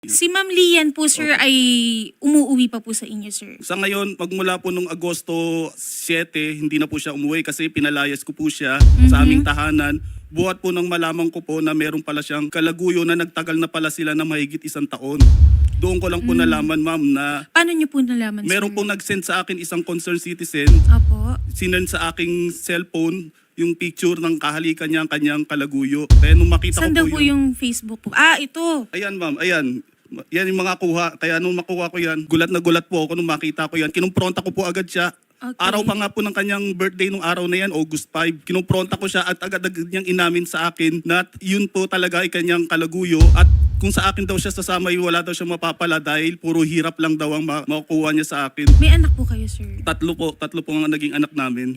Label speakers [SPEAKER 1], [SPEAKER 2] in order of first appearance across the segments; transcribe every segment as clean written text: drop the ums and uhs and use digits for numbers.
[SPEAKER 1] Si Ma'am Lian po, sir, ay umuuwi pa po sa inyo, sir.
[SPEAKER 2] Sa ngayon, magmula po nung Agosto 7, hindi na po siya umuwi kasi pinalayas ko po siya sa aming tahanan. Buhat po nang malaman ko po na meron pala siyang kalaguyo na nagtagal na pala sila na mahigit 1 taon. Doon ko lang po nalaman, ma'am, na
[SPEAKER 1] Paano niyo po nalaman,
[SPEAKER 2] meron
[SPEAKER 1] sir?
[SPEAKER 2] pong nag-send sa akin isang concerned citizen.
[SPEAKER 1] Opo.
[SPEAKER 2] Sinend sa aking cellphone yung picture ng kahalikan niya, ang kanyang kalaguyo. Kaya nung makita
[SPEAKER 1] Saan
[SPEAKER 2] ko
[SPEAKER 1] daw
[SPEAKER 2] po
[SPEAKER 1] po yung Facebook po? Ah, ito.
[SPEAKER 2] Ayan, ma'am, ayan. Yan yung mga kuha. Kaya nung makuha ko yan, gulat na gulat po ako nung makita ko yan. Kinumpronta ko po agad siya.
[SPEAKER 1] Okay.
[SPEAKER 2] Araw pa nga po ng kanyang birthday nung araw na yan, August 5. Kinumpronta ko siya at agad-agad niyang inamin sa akin na yun po talaga ay kanyang kalaguyo. At kung sa akin daw siya sasama, wala daw siya mapapala dahil puro hirap lang daw ang makukuha niya sa akin.
[SPEAKER 1] May anak po kayo, sir?
[SPEAKER 2] Tatlo po ang naging anak namin.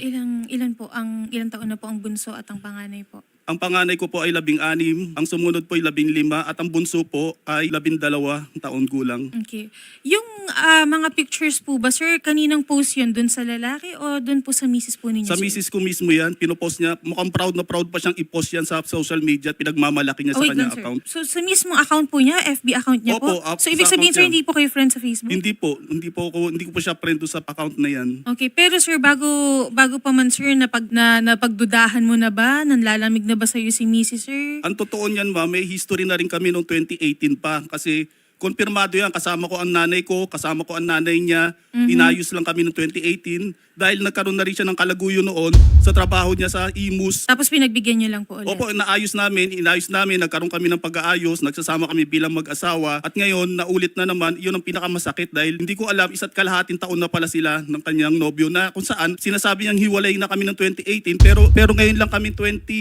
[SPEAKER 1] Ilang taon na po ang bunso at ang panganay po?
[SPEAKER 2] Ang panganay ko po ay 16, ang sumunod po ay 15, at ang bunso po ay 12 taon gulang.
[SPEAKER 1] Okay. Yung mga pictures po ba, sir, kaninang post yun? Dun sa lalaki o dun po sa misis po ninyo,
[SPEAKER 2] Sa
[SPEAKER 1] sir?
[SPEAKER 2] misis ko mismo yan, pinopost niya. Mukhang proud na proud pa siyang i-post yan sa social media at pinagmamalaki niya sa
[SPEAKER 1] wait lang,
[SPEAKER 2] kanyang
[SPEAKER 1] sir.
[SPEAKER 2] account.
[SPEAKER 1] So, sa mismong account po niya, FB account niya
[SPEAKER 2] Opo,
[SPEAKER 1] po? So, ibig
[SPEAKER 2] sa
[SPEAKER 1] sabihin, sir,
[SPEAKER 2] account
[SPEAKER 1] hindi po kayo friend sa Facebook?
[SPEAKER 2] Hindi ko po siya friend sa account na yan.
[SPEAKER 1] Okay, pero sir, bago pa man, sir, napagdudahan mo na ba? Nanlalamig na ba sa'yo si Mrs. sir?
[SPEAKER 2] Ang totoo niyan, ma'am, may history na rin kami noong 2018 pa kasi konfirmado yan. Kasama ko ang nanay ko, kasama ko ang nanay niya. Inayos lang kami noong 2018 dahil nagkaroon na rin siya ng kalaguyo noon sa trabaho niya sa Imus.
[SPEAKER 1] Tapos pinagbigyan niyo lang po ulit?
[SPEAKER 2] Opo, inayos namin, nagkaroon kami ng pag-aayos, nagsasama kami bilang mag-asawa. At ngayon, naulit na naman, yun ang pinakamasakit dahil hindi ko alam, 1.5 taon na pala sila ng kanyang nobyo na kung saan sinasabi niyang hiwalay na kami ng 2018 pero ngayon lang kami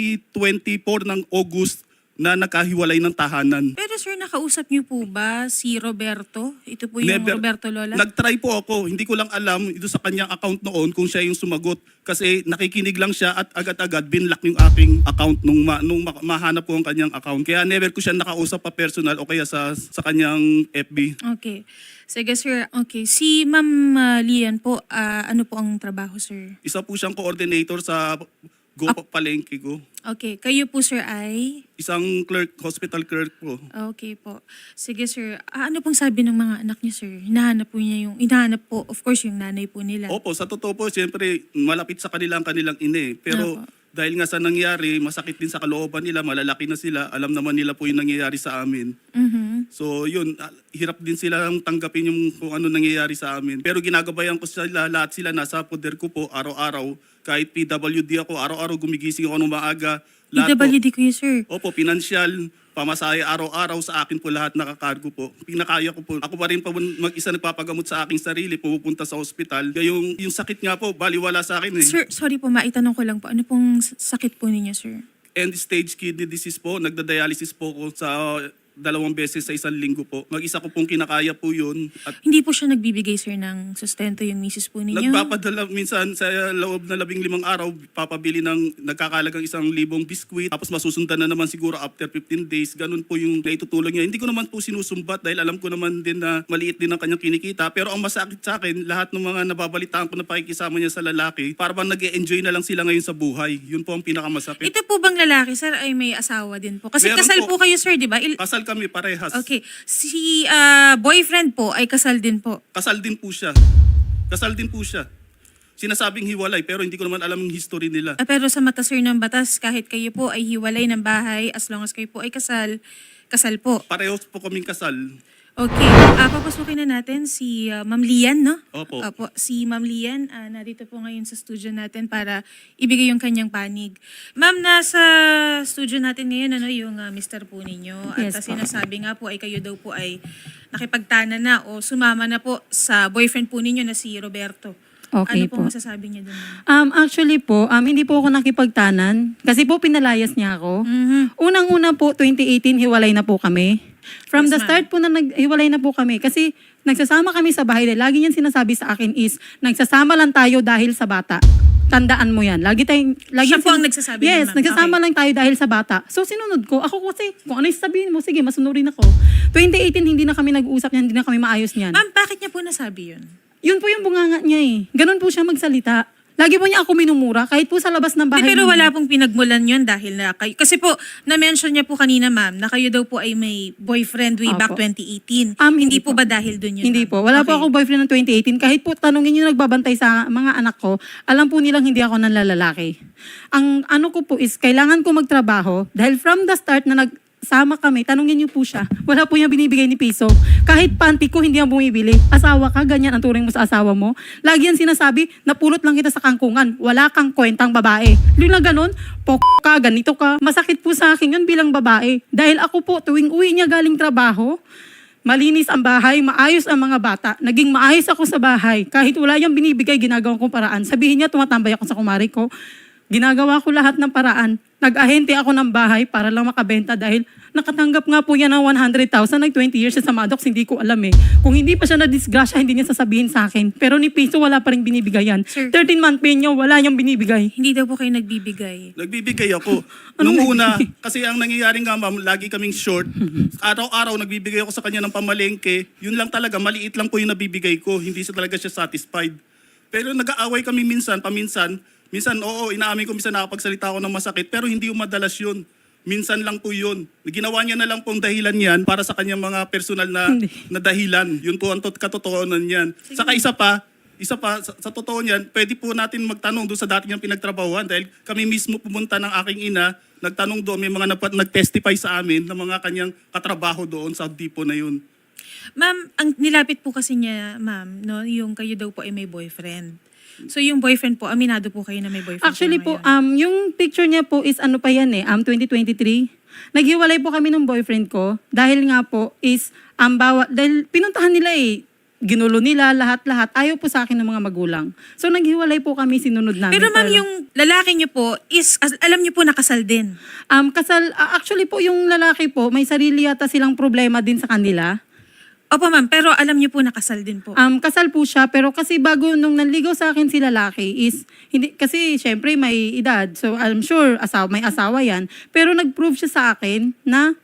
[SPEAKER 2] 2024 ng August na nagkahiwalay ng tahanan.
[SPEAKER 1] Pero sir, nakausap niyo po ba si Roberto? Ito po yung
[SPEAKER 2] Never.
[SPEAKER 1] Roberto Lola?
[SPEAKER 2] Nag-try po ako, hindi ko lang alam ito sa kanyang account noon kung siya yung sumagot. Kasi nakikinig lang siya at agad-agad binlock yung aking account nung mahanap ko ang kanyang account. Kaya never ko siya nakausap pa personal o kaya sa kanyang FB.
[SPEAKER 1] Okay. Sige sir, okay. Si Ma'am Lian po, ano po ang trabaho, sir?
[SPEAKER 2] Isa po siyang coordinator sa Palengke ko.
[SPEAKER 1] Okay. Kayo po, sir, ay?
[SPEAKER 2] Isang clerk, hospital clerk po.
[SPEAKER 1] Okay po. Sige sir, ano pong sabi ng mga anak niya, sir? Hinahanap po, of course, yung nanay po nila.
[SPEAKER 2] Opo, sa totoo po, siyempre, malapit sa kanilang ine. Pero
[SPEAKER 1] Opo.
[SPEAKER 2] dahil nga sa nangyari, masakit din sa kalooban nila, malalaki na sila, alam naman nila po yung nangyayari sa amin.
[SPEAKER 1] Mhm.
[SPEAKER 2] So yun, hirap din silang tanggapin yung kung ano nangyayari sa amin. Pero ginagabayan ko sila, lahat sila nasa poder ko po, araw-araw. Kahit PWD ako, araw-araw gumigising ako ng maaga. Lahat po.
[SPEAKER 1] PWD ko yun, sir.
[SPEAKER 2] Opo, pinansyal, pamasahe araw-araw sa akin po lahat nakakargo po. Pinakaya ko po. Ako pa rin po mag-isa nagpapagamot sa aking sarili, pupunta sa ospital. Kaya yung sakit nga po, baliwala sa akin eh.
[SPEAKER 1] Sir, sorry po, maitanong ko lang po. Ano pong sakit po ninyo, sir?
[SPEAKER 2] End-stage kidney disease po. Nagda-dialysis po ko sa 2 beses sa 1 linggo po. Mag-isa ko pong kinakaya po yun. At
[SPEAKER 1] Hindi po siya nagbibigay, sir, ng sustento yung misis po ninyo?
[SPEAKER 2] nagpapadala minsan sa loob na 15 araw, papabili ng nagkakalagang 1,000 biskwit. Tapos masusundan na naman siguro after 15 days. Ganun po yung naitutulong niya. Hindi ko naman po sinusumbat dahil alam ko naman din na maliit din ang kanyang kinikita. Pero ang masakit sa akin, lahat ng mga nababalitaan ko na pakikisama niya sa lalaki, para bang nag-e-enjoy na lang sila ngayon sa buhay. Yun po ang pinakamasakit.
[SPEAKER 1] Ito po bang lalaki, sir, ay may asawa din po? Kasi
[SPEAKER 2] Meron
[SPEAKER 1] kasal
[SPEAKER 2] po.
[SPEAKER 1] po kayo, sir, di ba?
[SPEAKER 2] Kasal kami parehas.
[SPEAKER 1] Okay. Si boyfriend po ay kasal din po.
[SPEAKER 2] Kasal din po siya. Sinasabing hiwalay pero hindi ko naman alam yung history nila.
[SPEAKER 1] Pero sa mata, sir, ng batas, kahit kayo po ay hiwalay ng bahay, as long as kayo po ay kasal po.
[SPEAKER 2] Parehas po kaming kasal.
[SPEAKER 1] Okay. Papasukin na natin si Ma'am Lian, no?
[SPEAKER 2] Opo.
[SPEAKER 1] Si Ma'am Lian, narito po ngayon sa studio natin para ibigay yung kanyang panig. Ma'am, nasa studio natin ngayon, yung Mr. po ninyo.
[SPEAKER 3] Yes
[SPEAKER 1] At
[SPEAKER 3] po.
[SPEAKER 1] sinasabi nga po ay kayo daw po ay nakipagtana na o sumama na po sa boyfriend po ninyo na si Roberto.
[SPEAKER 3] Okay
[SPEAKER 1] Ano po
[SPEAKER 3] po.
[SPEAKER 1] masasabi niyo doon?
[SPEAKER 3] Actually po, hindi po ako nakipagtanan kasi po pinalayas niya ako.
[SPEAKER 1] Mhm.
[SPEAKER 3] Unang-una po, 2018, hiwalay na po kami. From
[SPEAKER 1] Yes,
[SPEAKER 3] the
[SPEAKER 1] ma'am.
[SPEAKER 3] start po na hiwalay na po kami kasi nagsasama kami sa bahay. Lagi niyang sinasabi sa akin is, nagsasama lang tayo dahil sa bata. Tandaan mo yan.
[SPEAKER 1] Siya po ang nagsasabi
[SPEAKER 3] Yes,
[SPEAKER 1] naman.
[SPEAKER 3] nagsasama
[SPEAKER 1] Okay.
[SPEAKER 3] lang tayo dahil sa bata. So sinunod ko. Ako kasi, kung ano yung sabihin mo, sige, masunurin ako. 2018, hindi na kami nag-uusap niyan, hindi na kami maayos niyan.
[SPEAKER 1] Ma'am, bakit niya po nasabi yun?
[SPEAKER 3] Yun po yung bunganga niya eh. Ganun po siya magsalita. Lagi po niya ako minumura kahit po sa labas ng bahay.
[SPEAKER 1] Pero
[SPEAKER 3] namin.
[SPEAKER 1] wala pong pinagmulan yun dahil na kayo. Kasi po, na-mention niya po kanina, ma'am, na kayo daw po ay may boyfriend way back
[SPEAKER 3] Opo.
[SPEAKER 1] 2018.
[SPEAKER 3] Hindi
[SPEAKER 1] Hindi po ba dahil dun yun?
[SPEAKER 3] Hindi
[SPEAKER 1] ma'am?
[SPEAKER 3] po. Wala po
[SPEAKER 1] Okay.
[SPEAKER 3] ako boyfriend ng 2018. Kahit po tanungin yung nagbabantay sa mga anak ko, alam po nilang hindi ako nanlalalaki. Ang ano ko po is, kailangan ko magtrabaho dahil from the start na nagsama kami, tanungin niyo po siya, wala po niya binibigay ni piso. Kahit panty ko, hindi yan bumibili. Asawa ka, ganyan ang turing mo sa asawa mo. Lagi yan sinasabi, napulot lang kita sa kangkungan. Wala kang kwentang babae. Yung na ganun, ka, ganito ka. Masakit po sa akin yun bilang babae. Dahil ako po, tuwing uwi niya galing trabaho, malinis ang bahay, maayos ang mga bata. Naging maayos ako sa bahay. Kahit wala niyang binibigay, ginagawa kong paraan. Sabihin niya, tumatambay ako sa kumari ko. Ginagawa ko lahat ng paraan. Nag-ahente ako ng bahay para lang makabenta dahil nakatanggap nga po yan ng 100,000. Nag 20 years siya sa Maddox, hindi ko alam eh. Kung hindi pa siya na-disgrasya, hindi niya sasabihin sa akin. Pero ni piso, wala pa rin binibigay yan.
[SPEAKER 1] Sir.
[SPEAKER 3] 13-month pay niya, wala niyang binibigay.
[SPEAKER 1] Hindi daw po kayo nagbibigay.
[SPEAKER 2] Nagbibigay ako. Nung una, kasi ang nangyayari nga ma'am, lagi kaming short. Araw-araw nagbibigay ako sa kanya ng pamalengke. Yun lang talaga, maliit lang po yung nabibigay ko. Hindi siya talaga siya satisfied. Pero nag-aaway kami minsan, paminsan. Minsan, oo, inaamin ko, minsan nakapagsalita ako ng masakit. Pero hindi yung madalas yun. Minsan lang po yun. Ginawa niya na lang pong dahilan yan para sa kanyang mga personal na dahilan. Yun po ang katotohanan niyan. Saka isa pa, sa totoo niyan, pwede po natin magtanong doon sa dati niyang pinagtrabahuan dahil kami mismo pumunta ng aking ina, nagtanong doon, may mga nag-testify sa amin ng mga kanyang katrabaho doon sa depot na yun.
[SPEAKER 1] Ma'am, ang nilapit po kasi niya, ma'am, no, yung kayo daw po ay may boyfriend. So yung boyfriend po, aminado po kayo na may boyfriend
[SPEAKER 3] Actually
[SPEAKER 1] siya
[SPEAKER 3] po,
[SPEAKER 1] ngayon.
[SPEAKER 3] yung picture niya po is ano pa yan 2023. Naghiwalay po kami ng boyfriend ko dahil nga po is, dahil pinuntahan nila ginulo nila lahat-lahat. Ayaw po sa akin ng mga magulang. So naghiwalay po kami, sinunod namin.
[SPEAKER 1] Pero ma'am, yung lalaki niyo po is, alam niyo po nakasal din.
[SPEAKER 3] Actually po, yung lalaki po, may sarili yata silang problema din sa kanila.
[SPEAKER 1] Opo ma'am, pero alam niyo po nakasal din po.
[SPEAKER 3] Kasal po siya, pero kasi bago nung nanligaw sa akin si lalaki is, hindi, kasi syempre may edad. So I'm sure may asawa yan. Pero nag-prove siya sa akin na,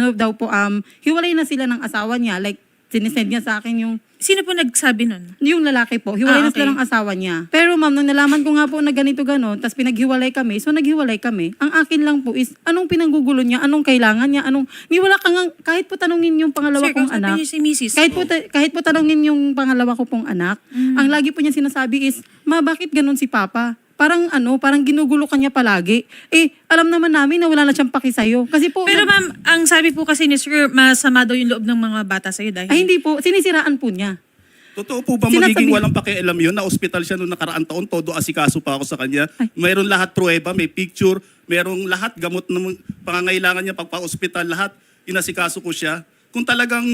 [SPEAKER 3] hiwalay na sila ng asawa niya. Like, sinisend niya sa akin
[SPEAKER 1] Sino po nagsabi nun?
[SPEAKER 3] yung lalaki po, hiwalay na
[SPEAKER 1] Okay.
[SPEAKER 3] sila ng asawa niya. Pero ma'am, nung nalaman ko nga po na ganito ganon, tapos pinaghiwalay kami, so naghiwalay kami. Ang akin lang po is, anong pinanggugulo niya, anong kailangan niya, wala kang, kahit po tanungin yung pangalawa
[SPEAKER 1] Sir,
[SPEAKER 3] kong
[SPEAKER 1] kausapin
[SPEAKER 3] anak.
[SPEAKER 1] niyo si Mrs.
[SPEAKER 3] Kahit po tanungin yung pangalawa ko pong anak, ang lagi po niya sinasabi is, ma, bakit ganun si Papa? Parang ginugulo ka niya palagi. Alam naman namin na wala na siyang paki sa'yo. Kasi po,
[SPEAKER 1] Pero ma'am, ang sabi po kasi ni Sir, masama daw yung loob ng mga bata sa'yo dahil...
[SPEAKER 3] hindi po, sinisiraan po niya.
[SPEAKER 2] Totoo po ba magiging walang pakialam yun? Na ospital siya noong nakaraang taon, todo asikaso pa ako sa kanya. Mayroon lahat pruweba, may picture, mayroong lahat gamot ng pangangailangan niya pagpa-ospital, lahat inasikaso ko siya. Kung talagang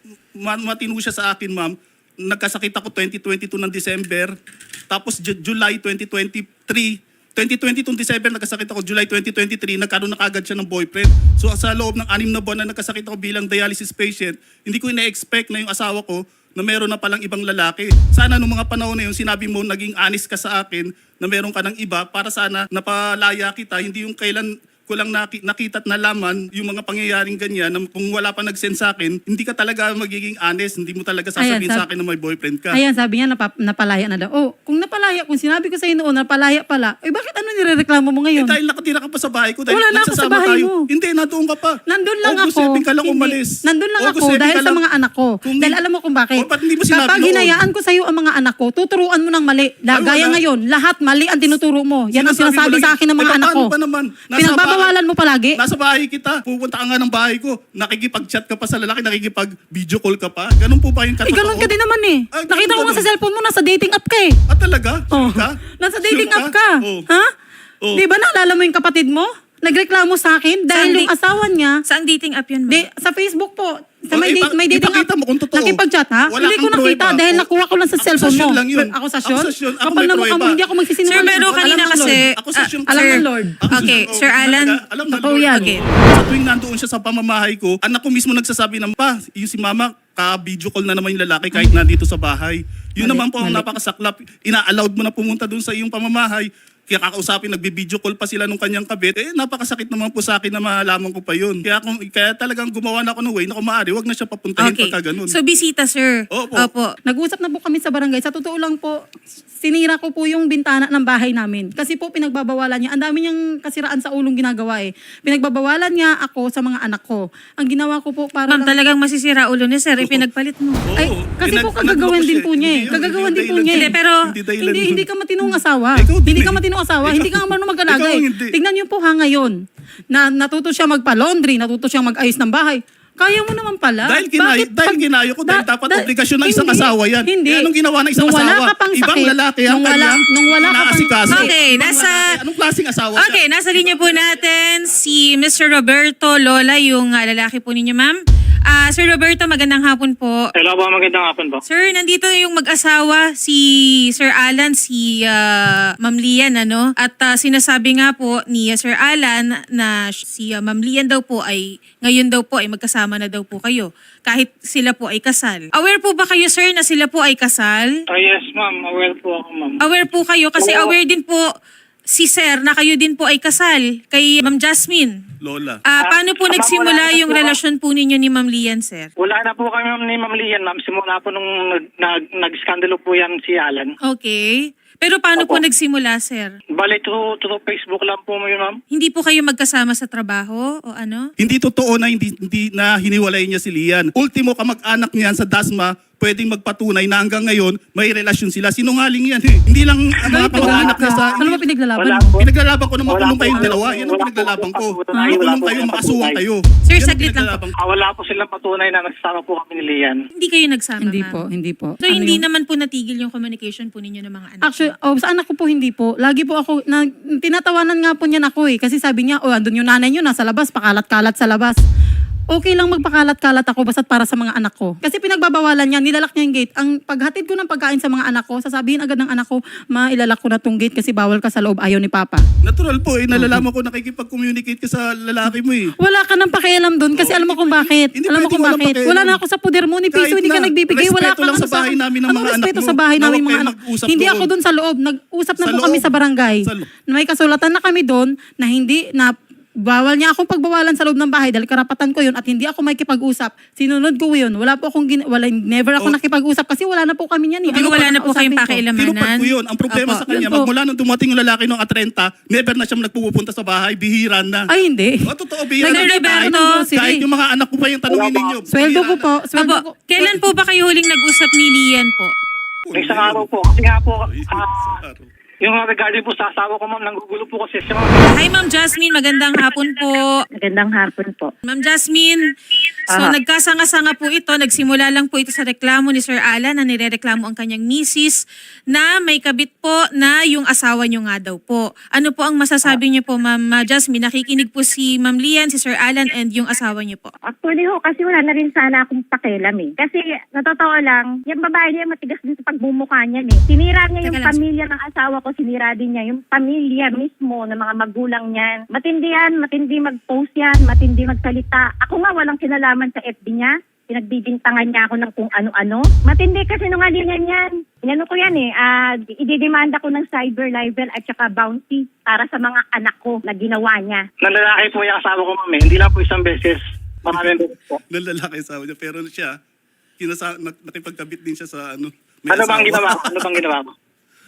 [SPEAKER 2] matino siya sa akin, ma'am, nagkasakit ako 2022 ng December, tapos July 2023, 2022 December nagkasakit ako, July 2023 nagkaroon na kagad siya ng boyfriend. So sa loob ng 6 na buwan na nagkasakit ako bilang dialysis patient, hindi ko ina-expect na yung asawa ko na meron na palang ibang lalaki. Sana nung mga panahon na yun, sinabi mo, naging honest ka sa akin na meron ka ng iba para sana napalaya kita, hindi yung kailan ko lang nakita at nalaman yung mga pangyayaring ganyan na kung wala pa nag-send sa akin, hindi ka talaga magiging honest, hindi mo talaga sasabihin sa akin na may boyfriend ka.
[SPEAKER 3] Ayan, sabi niya, napalaya na daw. Kung napalaya, kung sinabi ko sa'yo noon, napalaya pala, bakit nirereklamo mo ngayon?
[SPEAKER 2] Dahil nakatira ka pa sa bahay ko, dahil
[SPEAKER 3] Wala na ako sa
[SPEAKER 2] nagsasama
[SPEAKER 3] bahay
[SPEAKER 2] tayo.
[SPEAKER 3] mo.
[SPEAKER 2] Hindi, nandoon ka pa.
[SPEAKER 3] Nandun lang
[SPEAKER 2] August
[SPEAKER 3] ako.
[SPEAKER 2] 7 ka lang
[SPEAKER 3] Hindi.
[SPEAKER 2] umalis.
[SPEAKER 3] Nandun lang
[SPEAKER 2] August
[SPEAKER 3] ako
[SPEAKER 2] 7
[SPEAKER 3] dahil
[SPEAKER 2] ka
[SPEAKER 3] sa
[SPEAKER 2] lang.
[SPEAKER 3] mga anak ko.
[SPEAKER 2] Kung
[SPEAKER 3] Dahil alam mo kung bakit.
[SPEAKER 2] ba't hindi mo sinabi
[SPEAKER 3] Kapag
[SPEAKER 2] noon?
[SPEAKER 3] hinayaan ko sa'yo ang mga anak ko, tuturuan mo ng mali.
[SPEAKER 2] Ay,
[SPEAKER 3] Gaya
[SPEAKER 2] wala.
[SPEAKER 3] ngayon, lahat mali ang tinuturo mo. Yan ang
[SPEAKER 2] Sinasabi
[SPEAKER 3] sinasabi
[SPEAKER 2] ko lang
[SPEAKER 3] sa akin ng mga
[SPEAKER 2] yun.
[SPEAKER 3] anak ko.
[SPEAKER 2] Paano ba naman?
[SPEAKER 3] Pinagbabawalan mo palagi.
[SPEAKER 2] Nasa bahay kita. Pupunta ka nga ng bahay ko. Nakikipag-chat ka pa sa lalaki, nakikipag-video call ka pa. Ganun po ba yung katotoo?
[SPEAKER 3] Ganun ka din naman eh.
[SPEAKER 2] Ay,
[SPEAKER 3] Nakita ko
[SPEAKER 2] ganun.
[SPEAKER 3] nga sa cellphone mo, nasa dating app ka eh.
[SPEAKER 2] Talaga? Sure ka?
[SPEAKER 3] Nasa dating
[SPEAKER 2] Sure
[SPEAKER 3] app ka.
[SPEAKER 2] Oh.
[SPEAKER 3] Ha?
[SPEAKER 2] Oh.
[SPEAKER 3] Di ba naalala mo yung kapatid mo? Nagreklamo sa akin dahil
[SPEAKER 1] Saan
[SPEAKER 3] yung asawa niya,
[SPEAKER 1] Saang dating app yun, ma'am?
[SPEAKER 3] sa Facebook po. Sa
[SPEAKER 2] Oh,
[SPEAKER 3] may dating app.
[SPEAKER 2] ipakita mo kung totoo.
[SPEAKER 3] Nakipag-chat ha?
[SPEAKER 2] Wala
[SPEAKER 3] Hindi ko
[SPEAKER 2] kang
[SPEAKER 3] nakita
[SPEAKER 2] pruweba.
[SPEAKER 3] dahil
[SPEAKER 2] Oh,
[SPEAKER 3] nakuha ko lang sa cellphone mo.
[SPEAKER 2] akusasyon lang yun.
[SPEAKER 3] Akusasyon?
[SPEAKER 2] Akusasyon. Ako
[SPEAKER 3] Kapal
[SPEAKER 2] may
[SPEAKER 3] na mukha mo,
[SPEAKER 2] pruweba.
[SPEAKER 3] hindi ako magsisinungaling.
[SPEAKER 1] Sir, pero
[SPEAKER 3] Alam
[SPEAKER 1] kanina
[SPEAKER 3] ng Lord.
[SPEAKER 1] kasi...
[SPEAKER 2] Akusasyon.
[SPEAKER 3] Alam
[SPEAKER 2] Sir.
[SPEAKER 3] ng Lord.
[SPEAKER 1] Okay,
[SPEAKER 2] Oh,
[SPEAKER 1] Sir Alan.
[SPEAKER 2] alam na
[SPEAKER 3] totoo
[SPEAKER 2] Lord.
[SPEAKER 3] yan.
[SPEAKER 1] Okay.
[SPEAKER 2] Sa tuwing nandoon siya sa pamamahay ko, anak ko mismo nagsasabi ng, pa, yung si mama, ka-video call na naman yung lalaki kahit nandito sa bahay. Yun
[SPEAKER 3] Mali,
[SPEAKER 2] naman po ang
[SPEAKER 3] mali.
[SPEAKER 2] napakasaklap. Ina-allowed mo na pumunta doon sa iyong pamamahay. Kaya kakausapin, nagbi-video call pa sila nung kanyang kabit. Napakasakit naman po sa akin na malaman ko pa yun. Kaya talagang gumawa na ako ng way na kung maaari, wag na siya papuntahin
[SPEAKER 1] Okay.
[SPEAKER 2] pagka ganun.
[SPEAKER 1] So, bisita, sir.
[SPEAKER 2] Opo.
[SPEAKER 1] Opo.
[SPEAKER 3] Nag-usap na po kami sa barangay. Sa totoo lang po, sinira ko po yung bintana ng bahay namin. Kasi po pinagbabawalan niya. Ang dami niyang kasiraan sa ulong ginagawa eh. Pinagbabawalan niya ako sa mga anak ko. Ang ginawa ko po para
[SPEAKER 1] Ma'am, talagang masisira ulo ni sir, ipinagpalit mo.
[SPEAKER 3] Ay, kasi po kagagawan din po niya eh. Kagagawan din po niya eh.
[SPEAKER 1] Hindi, pero
[SPEAKER 3] Hindi ka matinong asawa.
[SPEAKER 2] Ikaw din
[SPEAKER 3] Hindi ka
[SPEAKER 2] eh.
[SPEAKER 3] matinong asawa. Hindi ka marunong mag-alaga
[SPEAKER 2] Ikaw
[SPEAKER 3] eh.
[SPEAKER 2] hindi.
[SPEAKER 3] Tignan niyo po ngayon. Na natuto siya magpa-laundry, natuto siyang mag-ayos ng bahay. Kaya mo naman pala.
[SPEAKER 2] Dahil ginayo ko, dahil dapat obligasyon ng isang
[SPEAKER 3] hindi,
[SPEAKER 2] asawa yan.
[SPEAKER 3] Hindi.
[SPEAKER 2] Eh, anong ginawa ng isang
[SPEAKER 3] Nung wala
[SPEAKER 2] asawa?
[SPEAKER 3] ka pang
[SPEAKER 2] Ibang
[SPEAKER 3] sakit,
[SPEAKER 2] lalaki ang
[SPEAKER 3] nung
[SPEAKER 2] kanyang
[SPEAKER 3] wala ka pang-
[SPEAKER 2] inaasikaso.
[SPEAKER 1] Okay,
[SPEAKER 2] Ibang lalaki. Anong klaseng asawa siya?
[SPEAKER 1] Okay, nasa linya po natin si Mr. Roberto Lola, yung lalaki po ninyo, ma'am. Sir Roberto, magandang hapon po.
[SPEAKER 4] Hello po, magandang hapon po.
[SPEAKER 1] Sir, nandito yung mag-asawa, si Sir Alan, si Ma'am Lian, ano? At sinasabi nga po ni Sir Alan na si Ma'am Lian daw po ay, ngayon daw po ay magkasama na daw po kayo. Kahit sila po ay kasal. Aware po ba kayo, sir, na sila po ay kasal?
[SPEAKER 4] Yes, ma'am. Aware po ako, ma'am.
[SPEAKER 1] Aware po kayo kasi
[SPEAKER 4] Oo.
[SPEAKER 1] aware din po si Sir na kayo din po ay kasal kay Ma'am Jasmine.
[SPEAKER 2] Lola.
[SPEAKER 1] Paano po
[SPEAKER 4] Ma'am,
[SPEAKER 1] nagsimula
[SPEAKER 4] wala na
[SPEAKER 1] yung
[SPEAKER 4] po.
[SPEAKER 1] relasyon po ninyo ni Ma'am Lian, sir?
[SPEAKER 4] Wala na po kami ni Ma'am Lian, ma'am. Simula po nung nag-skandalo po yan si Alan.
[SPEAKER 1] Okay. Pero paano po
[SPEAKER 4] Opo.
[SPEAKER 1] nagsimula, sir?
[SPEAKER 4] Bale, through Facebook lang po yun, ma'am.
[SPEAKER 1] Hindi po kayo magkasama sa trabaho o ano?
[SPEAKER 2] Hindi totoo na hindi na hiniwalay niya si Lian. Ultimo kamag-anak niyan sa Dasma, pwedeng magpatunay na hanggang ngayon may relasyon sila. Sinungaling yan eh. Hindi lang ang mga kamag-anak niya sa...
[SPEAKER 3] Ano ba pinaglalaban
[SPEAKER 4] Wala
[SPEAKER 3] mo?
[SPEAKER 4] po.
[SPEAKER 2] Pinaglalaban ko na
[SPEAKER 4] Wala
[SPEAKER 2] makulong
[SPEAKER 4] po.
[SPEAKER 2] kayong dalawa. Yan ang
[SPEAKER 4] Wala po.
[SPEAKER 2] pinaglalaban ko.
[SPEAKER 4] Wala po. Wala
[SPEAKER 2] Makulong
[SPEAKER 4] po.
[SPEAKER 2] kayo,
[SPEAKER 4] Wala po.
[SPEAKER 2] makasuhan kayo.
[SPEAKER 1] Sir,
[SPEAKER 2] Yan ang
[SPEAKER 1] saglit lang po.
[SPEAKER 2] pinaglalaban ko.
[SPEAKER 4] Wala po silang patunay na nagsama po kami ni Lian.
[SPEAKER 1] Hindi kayo nagsama,
[SPEAKER 3] Hindi
[SPEAKER 1] ma'am?
[SPEAKER 3] po, hindi po.
[SPEAKER 1] So, hindi
[SPEAKER 3] Ano yun?
[SPEAKER 1] naman po natigil yung communication po ninyo ng mga anak?
[SPEAKER 3] Actually, sa anak ko po hindi po. Lagi po ako, tinatawanan nga po niyan ako eh. Kasi sabi niya, andun yung nanay niyo, nasa labas, pakalat-kalat sa labas. Okay lang magpakalat-kalat ako basta't para sa mga anak ko. Kasi pinagbabawalan niya, nilalak niya yung gate. Ang paghatid ko ng pagkain sa mga anak ko, sasabihin agad ng anak ko, ilalak ko na tong gate kasi bawal ka sa loob, ayaw ni Papa.
[SPEAKER 2] Natural po eh. Nalalaman ko nakikipag-communicate ka sa lalaki mo eh.
[SPEAKER 3] Wala ka nang pakialam doon kasi alam mo kung bakit.
[SPEAKER 2] Hindi
[SPEAKER 3] Alam mo
[SPEAKER 2] pwede
[SPEAKER 3] kung
[SPEAKER 2] walang
[SPEAKER 3] bakit.
[SPEAKER 2] pakialam.
[SPEAKER 3] Wala na ako sa poder mo ni piso,
[SPEAKER 2] Kahit
[SPEAKER 3] hindi ka
[SPEAKER 2] na,
[SPEAKER 3] nagbibigay. Wala
[SPEAKER 2] respeto
[SPEAKER 3] ka
[SPEAKER 2] lang sa bahay namin ng
[SPEAKER 3] Anong
[SPEAKER 2] mga anak
[SPEAKER 3] respeto
[SPEAKER 2] mo?
[SPEAKER 3] sa bahay namin
[SPEAKER 2] Huwag
[SPEAKER 3] mga
[SPEAKER 2] kayo
[SPEAKER 3] anak?
[SPEAKER 2] mag-usap
[SPEAKER 3] Hindi
[SPEAKER 2] doon.
[SPEAKER 3] ako doon sa loob. Nag-usap na
[SPEAKER 2] Sa
[SPEAKER 3] po kami
[SPEAKER 2] loob.
[SPEAKER 3] sa barangay.
[SPEAKER 2] Sa loob.
[SPEAKER 3] May kasulatan na kami doon na hindi na bawal niya akong pagbawalan sa loob ng bahay dahil karapatan ko yun at hindi ako makikipag-usap. Sinunod ko yun. Wala po akong, never ako nakipag-usap kasi wala na po kami niyan.
[SPEAKER 1] Hindi ko wala na po kayong
[SPEAKER 2] Tinupad
[SPEAKER 1] pakialamanan?
[SPEAKER 2] ko yun. Ang problema
[SPEAKER 3] Apo,
[SPEAKER 2] sa kanya,
[SPEAKER 3] yun po.
[SPEAKER 2] magmula nung dumating yung lalaki noong 30, never na siya nagpupunta sa bahay, bihira na.
[SPEAKER 3] Ay, hindi.
[SPEAKER 2] O, totoo, bihira
[SPEAKER 1] Sir
[SPEAKER 2] na.
[SPEAKER 1] Roberto,
[SPEAKER 2] Kahit yung mga anak ko pa yung tanongin ninyo.
[SPEAKER 3] Sweldo ko po. Sweldo ko.
[SPEAKER 1] Opo, kailan po ba kayo huling nag-usap ni Lian po?
[SPEAKER 4] May isang araw po. Kasi nga po, yung regarding po sa asawa ko, ma'am, nanggugulo po kasi siya.
[SPEAKER 1] Hi, Ma'am Jasmine. Magandang hapon po.
[SPEAKER 5] Magandang hapon po.
[SPEAKER 1] Ma'am Jasmine, so nagkasanga-sanga po ito, nagsimula lang po ito sa reklamo ni Sir Alan na nirereklamo ang kanyang misis na may kabit po na yung asawa niyo nga daw po. Ano po ang masasabi niyo po, Ma'am Jasmine? Nakikinig po si Ma'am Lian, si Sir Alan, and yung asawa niyo po.
[SPEAKER 5] Actually ho, kasi wala na rin sana akong pakialam eh. Kasi natotoo lang, yung babae niya matigas din sa pagmumukha niya eh. Sinira niya yung
[SPEAKER 1] Teka lang.
[SPEAKER 5] pamilya ng asawa ko, sinira din niya yung pamilya mismo ng mga magulang niyan. Matindi yan, matindi mag-post yan, matindi magsalita. Ako nga walang kinalaman sa FB niya. Pinagbibintangan niya ako ng kung ano-ano. Matindi kasi nungalingan yan. Inano ko yan eh, ididemanda ko ng cyber libel at saka bounty para sa mga anak ko na ginawa niya.
[SPEAKER 4] Nalalaki po yung asawa ko, ma'am. Hindi lang po isang beses. Maraming beses po.
[SPEAKER 2] Ng lalaki asawa niya. Pero siya, nakipagkabit din siya sa ano. may
[SPEAKER 4] Ano bang
[SPEAKER 2] asawa.
[SPEAKER 4] ginawa ko? Ano bang ginawa ko?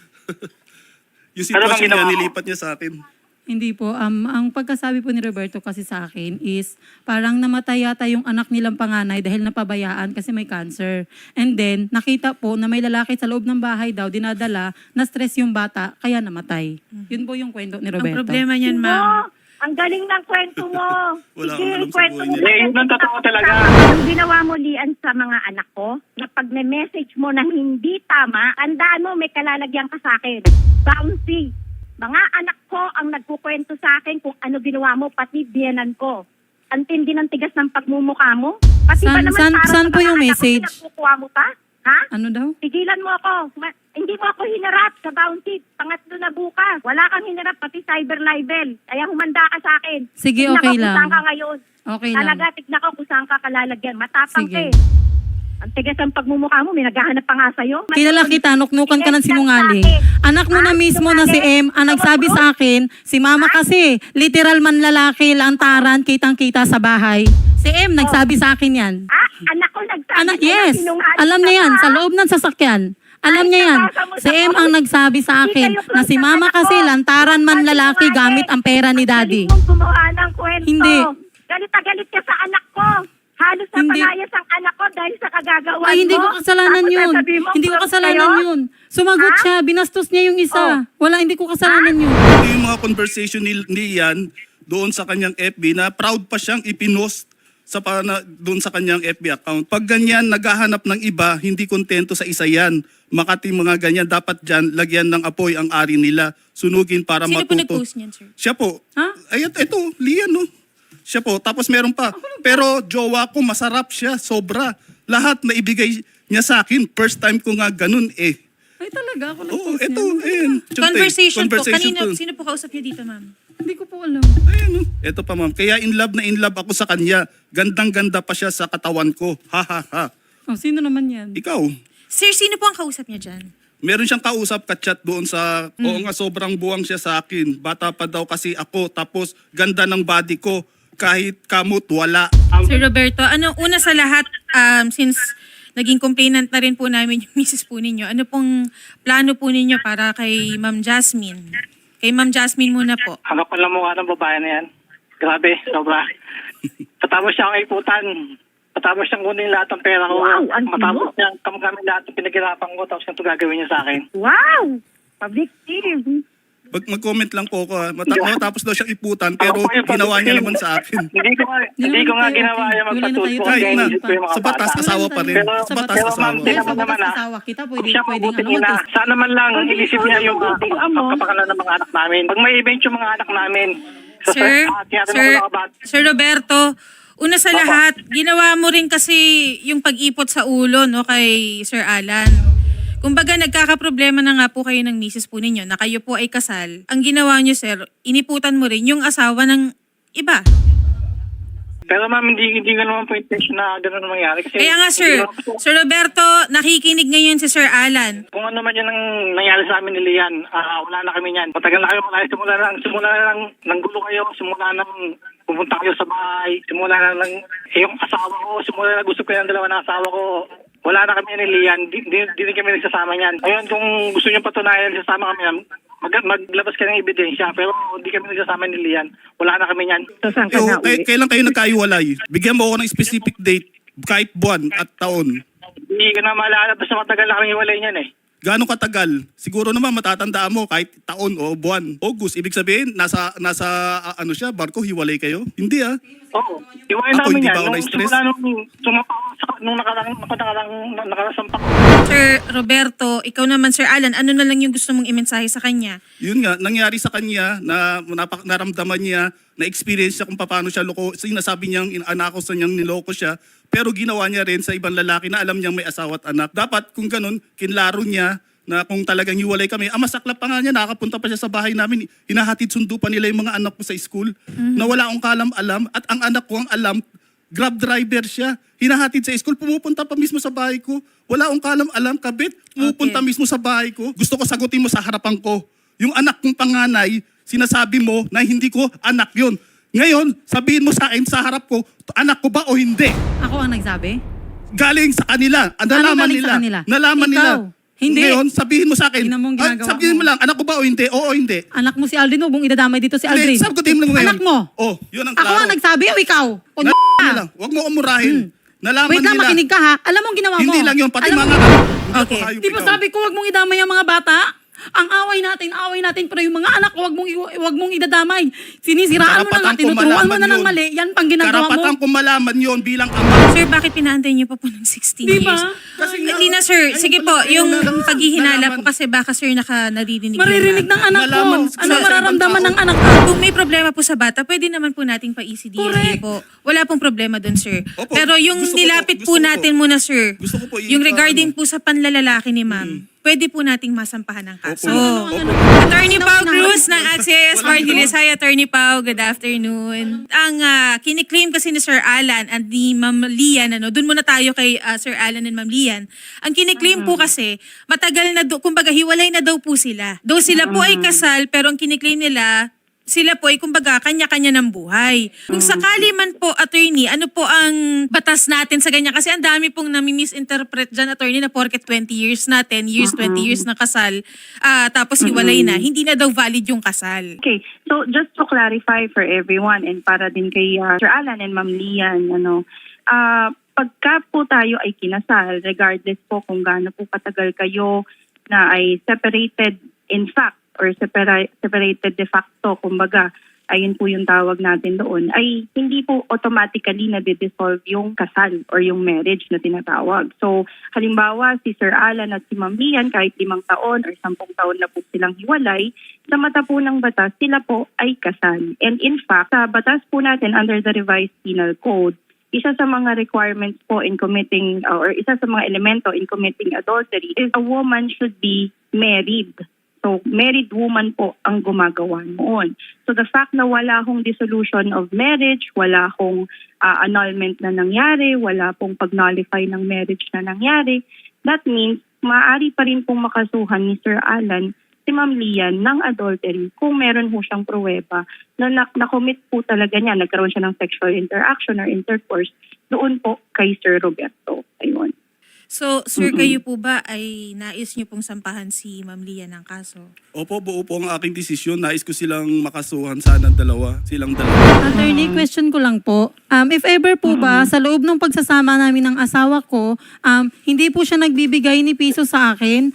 [SPEAKER 2] Yung
[SPEAKER 4] Ano bang
[SPEAKER 2] sitwasyon
[SPEAKER 4] ginawa
[SPEAKER 2] niya,
[SPEAKER 4] ko?
[SPEAKER 2] nilipat niya sa akin.
[SPEAKER 3] Hindi po. Ang pagkasabi po ni Roberto kasi sa akin is parang namatay yata yung anak nilang panganay dahil napabayaan kasi may cancer. And then, nakita po na may lalaki sa loob ng bahay daw, dinadala, na-stress yung bata, kaya namatay. Yun po yung kwento ni
[SPEAKER 1] Ang
[SPEAKER 3] Roberto.
[SPEAKER 1] problema niyan, Ma'am.
[SPEAKER 5] Oo, ang galing ng kwento mo.
[SPEAKER 2] Wala
[SPEAKER 5] Sige,
[SPEAKER 2] akong alam sa
[SPEAKER 5] kwento
[SPEAKER 2] buhay
[SPEAKER 5] mo.
[SPEAKER 2] niya.
[SPEAKER 4] Eh, yun ang totoo talaga.
[SPEAKER 5] Ang ginawa mo, Lian, sa mga anak ko, na pag message mo na hindi tama, andaan mo, may kalalagyan ka sa akin. Bouncy. Mga anak ko ang nagkukwento sa akin kung ano ginawa mo, pati biyenan ko. Ang tindi ng tigas ng pagmumukha mo. Pati ba naman para
[SPEAKER 3] Saan
[SPEAKER 5] sa
[SPEAKER 3] po
[SPEAKER 5] mga
[SPEAKER 3] yung
[SPEAKER 5] anak ko,
[SPEAKER 3] message?
[SPEAKER 5] pinagkukuha mo pa? Ha?
[SPEAKER 3] Ano daw?
[SPEAKER 5] Tigilan mo ako. Hindi mo ako hinarap sa bounty. Pangatlo na bukas. Wala kang hinarap, pati cyber libel. Kaya humanda ka sa akin.
[SPEAKER 3] Sige,
[SPEAKER 5] Tignan
[SPEAKER 3] okay
[SPEAKER 5] ko kung
[SPEAKER 3] lang.
[SPEAKER 5] saan ka ngayon.
[SPEAKER 3] Okay lang.
[SPEAKER 5] Talaga, tignan ko kung saan ka kalalagyan. Matapang
[SPEAKER 3] Sige.
[SPEAKER 5] ka eh. Ang tigas ang pagmumukha mo, may naghahanap pa nga sa'yo.
[SPEAKER 3] Kilala kita, nuknukan ka ng sinungaling. Anak mo na mismo na si M, ang nagsabi sa akin, si mama kasi, literal man lalaki, lantaran, kitang-kita sa bahay. Si M, nagsabi sa akin yan.
[SPEAKER 5] Ah, anak ko nagsabi
[SPEAKER 3] Anak,
[SPEAKER 5] sa'yo,
[SPEAKER 3] yes.
[SPEAKER 5] sinungaling
[SPEAKER 3] Alam
[SPEAKER 5] ka
[SPEAKER 3] niya yan,
[SPEAKER 5] pa.
[SPEAKER 3] sa loob ng sasakyan. Alam niya yan.
[SPEAKER 5] nabasa mo
[SPEAKER 3] Si
[SPEAKER 5] sa
[SPEAKER 3] M ang nagsabi sa
[SPEAKER 5] Hindi
[SPEAKER 3] akin
[SPEAKER 5] kayo
[SPEAKER 3] na si mama
[SPEAKER 5] anak
[SPEAKER 3] kasi
[SPEAKER 5] ko.
[SPEAKER 3] lantaran man
[SPEAKER 5] Ang
[SPEAKER 3] lalaki
[SPEAKER 5] sinungaling.
[SPEAKER 3] gamit ang pera ni daddy.
[SPEAKER 5] Galit mong gumawa ng kwento.
[SPEAKER 3] Hindi.
[SPEAKER 5] Galit na galit ka sa anak ko. Halos na
[SPEAKER 3] Hindi.
[SPEAKER 5] palayas ang anak ko dahil sa kagagawa
[SPEAKER 3] Ay, hindi
[SPEAKER 5] mo.
[SPEAKER 3] ko kasalanan
[SPEAKER 5] Tapos
[SPEAKER 3] yun.
[SPEAKER 5] sasabihin mo,
[SPEAKER 3] Hindi ko
[SPEAKER 5] close
[SPEAKER 3] kasalanan
[SPEAKER 5] kayo?
[SPEAKER 3] yun. Sumagot
[SPEAKER 5] Ha?
[SPEAKER 3] siya, binastos niya yung isa.
[SPEAKER 5] Oh.
[SPEAKER 3] Wala, hindi ko kasalanan yun.
[SPEAKER 2] Ito yung mga conversation ni Ian doon sa kanyang FB na proud pa siyang ipinost doon sa kanyang FB account. Pag ganyan, naghahanap ng iba, hindi kontento sa isa yan. Makati mga ganyan, dapat dyan, lagyan ng apoy ang ari nila. Sunugin para
[SPEAKER 1] Sino po
[SPEAKER 2] matuto.
[SPEAKER 1] nag-post niyan, sir?
[SPEAKER 2] Siya po.
[SPEAKER 3] Ha?
[SPEAKER 2] Ayan, ito, Lian, no? Siya po. Tapos meron pa. Pero jowa ko, masarap siya, sobra. Lahat na ibigay niya sa akin. First time ko nga ganun eh.
[SPEAKER 3] Ay talaga, ako
[SPEAKER 2] Oo,
[SPEAKER 3] nag-post
[SPEAKER 2] ito,
[SPEAKER 3] niya.
[SPEAKER 2] ayan.
[SPEAKER 1] Conversation po. Kanina,
[SPEAKER 2] to.
[SPEAKER 1] sino po kausap niyo dito, ma'am?
[SPEAKER 3] Hindi ko po alam.
[SPEAKER 2] Ayan, no? Ito pa, ma'am. Kaya in love ako sa kanya. Gandang-ganda pa siya sa katawan ko. Ha, ha, ha.
[SPEAKER 3] Oh, sino naman yan?
[SPEAKER 2] Ikaw,
[SPEAKER 1] Sir, sino po ang kausap niya dyan?
[SPEAKER 2] meron siyang kausap, ka-chat doon sa, oo nga, sobrang buwang siya sa akin. Bata pa daw kasi ako, tapos ganda ng body ko. Kahit kamot, wala.
[SPEAKER 1] Sir Roberto, una sa lahat, since naging complainant na rin po namin yung misis po ninyo, ano pong plano po ninyo para kay Ma'am Jasmine? Kay Ma'am Jasmine muna po.
[SPEAKER 4] Ang kapal na mukha ng babae na yan. Grabe, sobra. Patapos siya ang iputan. Patapos siyang kunin lahat ng pera ko.
[SPEAKER 5] Wow, ang
[SPEAKER 4] Matapos
[SPEAKER 5] tino.
[SPEAKER 4] niyang kamgamit lahat ng pinaghirapan ko. Tapos yung gagawin niya sa akin.
[SPEAKER 5] Wow! Pabiktim.
[SPEAKER 2] Mag-comment lang po ako. Matapos daw siyang iputan, pero
[SPEAKER 4] Ako po yung
[SPEAKER 2] ginawa niya
[SPEAKER 4] pag-ibig.
[SPEAKER 2] naman sa akin.
[SPEAKER 4] Hindi ko nga ginawa yung magpatulpo.
[SPEAKER 2] Kahit
[SPEAKER 4] Kaya
[SPEAKER 2] na,
[SPEAKER 4] inisip ko yung mga
[SPEAKER 2] sa batas
[SPEAKER 4] bata.
[SPEAKER 2] asawa pa rin.
[SPEAKER 4] Pero-
[SPEAKER 2] Sa batas
[SPEAKER 4] pero ma'am,
[SPEAKER 2] asawa.
[SPEAKER 3] Dahil
[SPEAKER 4] tingnan
[SPEAKER 3] sa
[SPEAKER 4] mo naman,
[SPEAKER 3] batas
[SPEAKER 4] ah.
[SPEAKER 3] asawa kita,
[SPEAKER 4] Kung
[SPEAKER 3] pwedeng
[SPEAKER 4] siya
[SPEAKER 3] ano,
[SPEAKER 4] mabuting ina,
[SPEAKER 3] mag-test.
[SPEAKER 4] sana man lang
[SPEAKER 5] Pag
[SPEAKER 4] inisip niya yung
[SPEAKER 5] mabuting amo.
[SPEAKER 4] kapakanan ng mga anak namin. Pag may event yung mga anak namin,
[SPEAKER 1] Sir Roberto, una sa lahat, ginawa mo rin kasi yung pag-ipot sa ulo no kay Sir Alan. Kumbaga nagkakaproblema na nga po kayo ng misis po ninyo na kayo po ay kasal. Ang ginawa niyo, sir, iniputan mo rin yung asawa ng iba.
[SPEAKER 4] Pero ma'am, hindi ko naman po intention na gano'n ang mangyari. Kasi
[SPEAKER 1] Kaya nga, sir,
[SPEAKER 4] hindi naman po-
[SPEAKER 1] Sir Roberto, nakikinig ngayon si Sir Alan.
[SPEAKER 4] Kung ano man yan ang nangyari sa amin ni Lian, wala na kami yan. Matagal na kayo malayo. Simula na lang ng gulo kayo. Simula na pumunta kayo sa bahay. Simula na lang yung asawa ko. Simula na gusto ko yung dalawa ng asawa ko. Wala na kami ni Lian. Di rin kami nagsasama niyan. Ayun, kung gusto niyo patunayan, nagsasama kami yan, maglabas ka ng ebidensya. Pero hindi kami nagsasama ni Lian. Wala na kami niyan.
[SPEAKER 5] So, saan ka
[SPEAKER 2] Yo,
[SPEAKER 5] na uwi?
[SPEAKER 2] kailan kayo nagkaiwalay? Bigyan mo ako ng specific date, kahit buwan at taon.
[SPEAKER 4] Hindi ko na maalala. Basta matagal na kami hiwalay niyan eh.
[SPEAKER 2] Gaano katagal? Siguro naman matatandaan mo kahit taon o buwan. August, ibig sabihin, nasa ano siya, barko, hiwalay kayo? Hindi ah.
[SPEAKER 4] Oo. Hiwalay
[SPEAKER 2] Ako,
[SPEAKER 4] namin
[SPEAKER 2] hindi
[SPEAKER 4] yan.
[SPEAKER 2] ba ako
[SPEAKER 4] Nung
[SPEAKER 2] na-stress?
[SPEAKER 4] simula nung sumapa ako nung nakarasampak.
[SPEAKER 1] Sir Roberto, ikaw naman, Sir Alan, ano na lang yung gusto mong imensahe sa kanya?
[SPEAKER 2] Yun nga, nangyari sa kanya na naramdaman niya, na-experience siya kung paano siya loko. Sinasabi niyang anakos na niyang niloko siya, pero ginawa niya rin sa ibang lalaki na alam niyang may asawa at anak. Dapat kung ganun, kinlaro niya na kung talagang hiwalay kami. Masaklap pa nga niya, nakapunta pa siya sa bahay namin. Hinahatid sundo pa nila yung mga anak ko sa school na wala akong kalam-alam. At ang anak ko ang alam, Grab driver siya. Hinahatid sa school, pumupunta pa mismo sa bahay ko. Wala akong kalam-alam, kabit. Pumupunta
[SPEAKER 1] Okay.
[SPEAKER 2] mismo sa bahay ko. Gusto ko sagutin mo sa harapan ko. Yung anak kong panganay, sinasabi mo na hindi ko anak yun. Ngayon, sabihin mo sa akin sa harap ko, anak ko ba o hindi?
[SPEAKER 3] Ako ang nagsabi?
[SPEAKER 2] Galing sa kanila. Nalaman
[SPEAKER 3] galing
[SPEAKER 2] nila.
[SPEAKER 3] sa kanila?
[SPEAKER 2] Nalaman
[SPEAKER 3] Ikaw.
[SPEAKER 2] nila.
[SPEAKER 3] Hindi.
[SPEAKER 2] Ngayon, sabihin mo sa akin.
[SPEAKER 3] Tingnan mo ang ginagawa
[SPEAKER 2] sabihin mo
[SPEAKER 3] mo.
[SPEAKER 2] lang, anak ko ba o hindi? Oo o hindi.
[SPEAKER 3] Anak mo si Aldrin, huwag mong idadamay dito si Aldrin.
[SPEAKER 2] Hindi, sagutin mo lang ngayon.
[SPEAKER 3] Anak mo.
[SPEAKER 2] Oh, yun ang
[SPEAKER 3] Ako
[SPEAKER 2] klaro.
[SPEAKER 3] ang nagsabi o ikaw? O
[SPEAKER 2] Nalaman nila. Huwag mo umurahin. Nalaman
[SPEAKER 3] Wait lang,
[SPEAKER 2] nila.
[SPEAKER 3] makinig ka ha. Alam mo ang ginawa mo?
[SPEAKER 2] Hindi lang yun, pati
[SPEAKER 3] Alam
[SPEAKER 2] mga
[SPEAKER 3] mo-
[SPEAKER 1] Okay.
[SPEAKER 2] hayop
[SPEAKER 3] Di ba
[SPEAKER 2] ikaw.
[SPEAKER 3] sabi ko huwag mong idamay ang mga bata? Ang away natin, pero yung mga anak ko huwag mong idadamay. Sinisiraan mo na nga,
[SPEAKER 2] Karapatan ko
[SPEAKER 3] tinuturuan mo
[SPEAKER 2] malaman
[SPEAKER 3] na ng
[SPEAKER 2] yun.
[SPEAKER 3] mali. Yan pang ginagawa
[SPEAKER 2] Karapatan
[SPEAKER 3] mo.
[SPEAKER 2] ko malaman yun bilang ama.
[SPEAKER 1] Sir, bakit pinaantay niyo pa po ng 16
[SPEAKER 3] Di ba?
[SPEAKER 1] years?
[SPEAKER 2] Kasi nga,
[SPEAKER 1] Hindi na, sir.
[SPEAKER 2] ayun
[SPEAKER 1] Sige
[SPEAKER 2] pala,
[SPEAKER 1] po,
[SPEAKER 2] ayun
[SPEAKER 1] yung
[SPEAKER 2] na-
[SPEAKER 1] paghihinala
[SPEAKER 2] nalaman.
[SPEAKER 1] po kasi baka, sir, naririnig
[SPEAKER 3] Maririnig
[SPEAKER 1] yun,
[SPEAKER 3] ng anak ko.
[SPEAKER 2] Malaman
[SPEAKER 3] Ano
[SPEAKER 2] sa
[SPEAKER 3] mararamdaman
[SPEAKER 2] ibang
[SPEAKER 3] ng
[SPEAKER 2] tao.
[SPEAKER 3] anak ko?
[SPEAKER 1] Kung may problema po sa bata, pwede naman po nating pa-ECDA
[SPEAKER 3] Correct.
[SPEAKER 1] po. Wala pong problema doon, sir.
[SPEAKER 2] Opo,
[SPEAKER 1] Pero yung
[SPEAKER 2] gusto ko po,
[SPEAKER 1] nilapit
[SPEAKER 2] gusto
[SPEAKER 1] po
[SPEAKER 2] ko po.
[SPEAKER 1] natin muna, sir,
[SPEAKER 2] Gusto ko po
[SPEAKER 1] yung regarding
[SPEAKER 2] ano.
[SPEAKER 1] po sa panlalalaki ni ma'am, pwede po nating masampahan ng kaso.
[SPEAKER 2] Opo. Opo.
[SPEAKER 1] Attorney Pau Cruz ng AXIS
[SPEAKER 2] Walang
[SPEAKER 1] Martinez. Hi, Attorney Pau. Good afternoon. Ang kiniklaim kasi ni Sir Alan at ni Ma'am Lian, doon muna tayo kay Sir Alan and Ma'am Lian. Ang kiniklaim po kasi, matagal na, kumbaga hiwalay na daw po sila. Though sila po ay kasal, pero ang kiniklaim nila, sila po ay kumbaga kanya-kanya ng buhay. Kung sakali man po, attorney, ano po ang batas natin sa ganyan? Kasi ang dami pong nami-misinterpret dyan, attorney, na porket 20 years na, 10 years, 20 years na kasal, tapos hiwalay na, hindi na daw valid yung kasal.
[SPEAKER 6] Okay, so just to clarify for everyone and para din kay Sir Alan and Ma'am Lian, pagka po tayo ay kinasal, regardless po kung gaano po katagal kayo na ay separated in fact or separated de facto, kumbaga, ayun po yung tawag natin doon, ay hindi po automatically na-dissolve yung kasal or yung marriage na tinatawag. So, halimbawa, si Sir Alan at si Ma'am Lian, kahit 5 taon or 10 taon na po silang hiwalay, sa mata po ng batas, sila po ay kasal. And in fact, sa batas po natin under the revised penal code, isa sa mga requirements po in committing or isa sa mga elemento in committing adultery is a woman should be married. So, married woman po ang gumagawa noon. So, the fact na wala hong dissolution of marriage, wala hong annulment na nangyari, wala pong pag-nullify ng marriage na nangyari, that means maaari pa rin pong makasuhan ni Sir Alan si Ma'am Lian ng adultery kung meron ho siyang pruweba na na-commit po talaga niya, nagkaroon siya ng sexual interaction or intercourse doon po kay Sir Roberto. Ayun.
[SPEAKER 1] So, sir, kayo po ba ay nais niyo pong sampahan si Ma'am Lian ng kaso?
[SPEAKER 2] Opo, buo po ang aking desisyon. Nais ko silang makasuhan sana silang dalawa.
[SPEAKER 3] Attorney, question ko lang po. If ever po ba, sa loob ng pagsasama namin ng asawa ko, hindi po siya nagbibigay ni piso sa akin,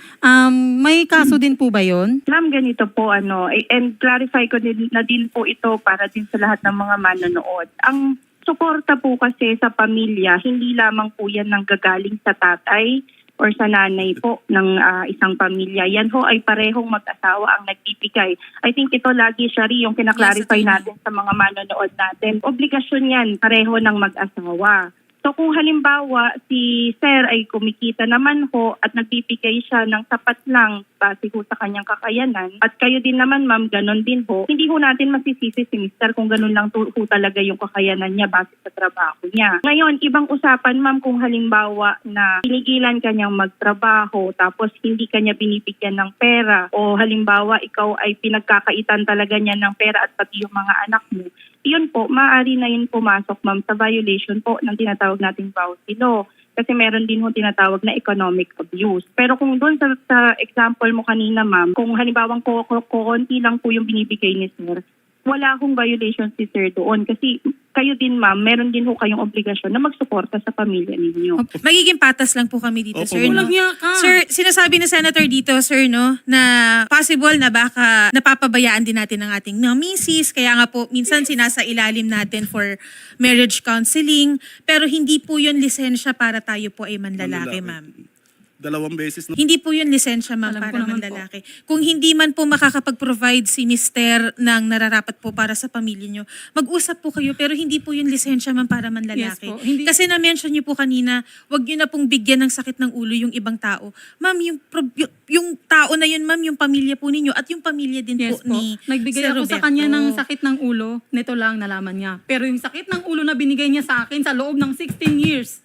[SPEAKER 3] may kaso din po ba yon?
[SPEAKER 6] Ma'am, ganito po, and clarify ko din na din po ito para din sa lahat ng mga manonood. Ang suporta po kasi sa pamilya, hindi lamang po yan ng gagaling sa tatay or sa nanay po ng isang pamilya. Yan ho ay parehong mag-asawa ang nagbibigay. I think ito lagi, Shari, yung kinaklarify natin sa mga manonood natin. Obligasyon yan, pareho ng mag-asawa. So kung halimbawa si Sir ay kumikita naman ho at nagbibigay siya ng sapat lang base ho sa kanyang kakayanan at kayo din naman ma'am, ganon din ho, hindi ho natin masisisi si Mr. kung ganon lang ho talaga yung kakayanan niya base sa trabaho niya. Ngayon, ibang usapan ma'am kung halimbawa na pinigilan kanyang magtrabaho tapos hindi kanya binibigyan ng pera o halimbawa ikaw ay pinagkakaitan talaga niya ng pera at pati yung mga anak mo, yun po, maaari na yun pumasok, ma'am, sa violation po ng tinatawag nating vowsy law. Kasi meron din ho tinatawag na economic abuse. Pero kung doon sa example mo kanina, ma'am, kung halimbawang konti lang po yung binibigay ni Sir, wala akong violation si Sir doon. Kasi kayo din, ma'am, meron din ho kayong obligasyon na magsuporta sa pamilya ninyo.
[SPEAKER 1] Magiging patas lang po kami dito,
[SPEAKER 2] Opo,
[SPEAKER 1] sir. No?
[SPEAKER 3] Walang niya ka.
[SPEAKER 1] Sir, sinasabi ni Senator dito, sir, no, na possible na baka napapabayaan din natin ang ating mga misis. Kaya nga po, minsan sinasa ilalim natin for marriage counseling. Pero hindi po yun lisensya para tayo po ay manlalaki, ma'am.
[SPEAKER 2] 2 beses na.
[SPEAKER 1] Hindi po yun lisensya, ma'am,
[SPEAKER 3] Alam ko
[SPEAKER 1] para
[SPEAKER 3] naman
[SPEAKER 1] manlalaki. Kung hindi man po makakapag-provide si Mister ng nararapat po para sa pamilya nyo, mag-usap po kayo, pero hindi po yun lisensya, ma'am, para manlalaki.
[SPEAKER 3] Yes po, hindi-
[SPEAKER 1] Kasi na-mention nyo po kanina, wag nyo na pong bigyan ng sakit ng ulo yung ibang tao. Ma'am, yung tao na yun, ma'am, yung pamilya po ninyo at yung pamilya din
[SPEAKER 3] Yes
[SPEAKER 1] po
[SPEAKER 3] po.
[SPEAKER 1] ni
[SPEAKER 3] Nagbigay
[SPEAKER 1] Sir
[SPEAKER 3] ako sa
[SPEAKER 1] Roberto.
[SPEAKER 3] kanya ng sakit ng ulo, nito lang nalaman niya. Pero yung sakit ng ulo na binigay niya sa akin sa loob ng 16 years.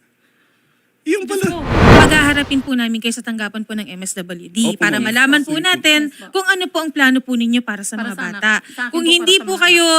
[SPEAKER 2] Yung pala.
[SPEAKER 3] Diyos ko.
[SPEAKER 1] Paghaharapin po namin kayo sa tanggapan po ng MSWD
[SPEAKER 2] Opo,
[SPEAKER 1] para
[SPEAKER 2] ma'am.
[SPEAKER 1] malaman
[SPEAKER 2] Yes,
[SPEAKER 1] po
[SPEAKER 2] po.
[SPEAKER 1] natin
[SPEAKER 3] Yes, po.
[SPEAKER 1] kung ano po ang plano po ninyo para sa
[SPEAKER 3] Para
[SPEAKER 1] mga
[SPEAKER 3] sa anak.
[SPEAKER 1] bata.
[SPEAKER 3] Sa akin
[SPEAKER 1] Kung
[SPEAKER 3] po,
[SPEAKER 1] hindi
[SPEAKER 3] para sa
[SPEAKER 1] po
[SPEAKER 3] mga
[SPEAKER 1] kayo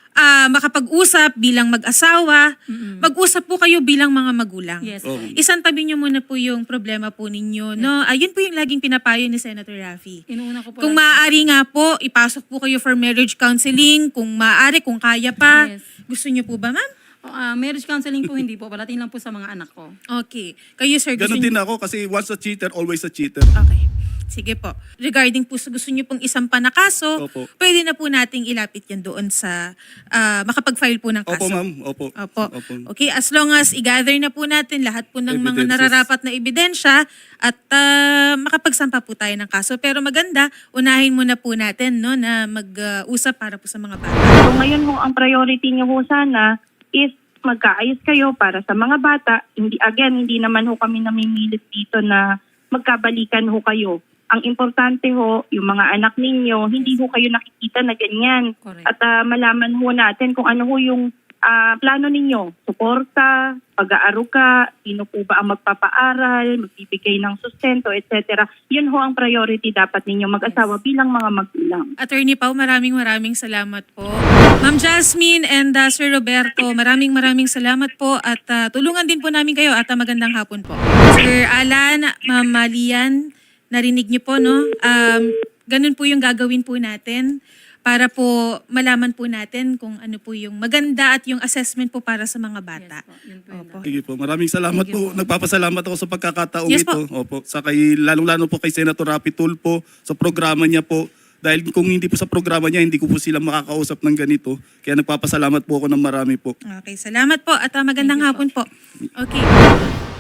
[SPEAKER 1] makapag-usap bilang mag-asawa, mag-usap po kayo bilang mga magulang.
[SPEAKER 3] Yes.
[SPEAKER 2] Oh.
[SPEAKER 1] Isang tabi nyo muna po yung problema po ninyo. No? Ayun po yung laging pinapayo ni Senator Raffy.
[SPEAKER 3] Inuuna ko po.
[SPEAKER 1] Kung
[SPEAKER 3] lagi-
[SPEAKER 1] maaari nga po, ipasok po kayo for marriage counseling. Kung maaari, kung kaya pa.
[SPEAKER 3] Yes.
[SPEAKER 1] Gusto nyo po ba, ma'am?
[SPEAKER 3] Marriage counseling po hindi po. Palating lang po sa mga anak ko.
[SPEAKER 1] Okay. Kayo, sir, gusto
[SPEAKER 2] Ganon
[SPEAKER 1] nyo?
[SPEAKER 2] din ako kasi once a cheater, always a cheater.
[SPEAKER 1] Okay. Sige po. Regarding po sa gusto nyo pong isampa na kaso,
[SPEAKER 2] Opo.
[SPEAKER 1] pwede na po nating ilapit yan doon sa makapag-file po ng kaso.
[SPEAKER 2] Opo, ma'am. Opo.
[SPEAKER 1] Opo.
[SPEAKER 2] Opo.
[SPEAKER 1] Okay, as long as i-gather na po natin lahat po ng mga
[SPEAKER 2] Evidences.
[SPEAKER 1] nararapat na ebidensya at makapagsampa po tayo ng kaso. Pero maganda, unahin muna po natin no, na mag-usap para po sa mga bata.
[SPEAKER 6] So ngayon ho, ang priority niyo ho sana is magkaayos kayo para sa mga bata. Hindi naman ho kami namimilit dito na magkabalikan ho kayo. Ang importante ho, yung mga anak ninyo, hindi ho kayo nakikita na ganyan.
[SPEAKER 3] Correct.
[SPEAKER 6] At malaman ho natin kung ano ho yung plano ninyo? Suporta, pag-aaruga, sino po ba ang magpapaaral, magbibigay ng sustento, etc. Yun ho ang priority dapat ninyo mag-asawa bilang mga magulang.
[SPEAKER 1] Attorney Pau, maraming salamat po. Ma'am Jasmine and Sir Roberto, maraming salamat po at tulungan din po namin kayo at magandang hapon po. Sir Alan, Ma'am Lian, narinig niyo po, no? Ganun po yung gagawin po natin para po malaman po natin kung ano po yung maganda at yung assessment po para sa mga bata. Opo.
[SPEAKER 2] Sige po, maraming salamat po. Nagpapasalamat ako sa pagkakataong
[SPEAKER 1] Yes
[SPEAKER 2] ito. Opo. Sa kay, lalong-lalo po kay Senator Rapi Tulfo sa programa niya po. Dahil kung hindi po sa programa niya, hindi ko po sila makakausap ng ganito. Kaya nagpapasalamat po ako ng marami po.
[SPEAKER 1] Okay, salamat po at magandang hapon po. Okay.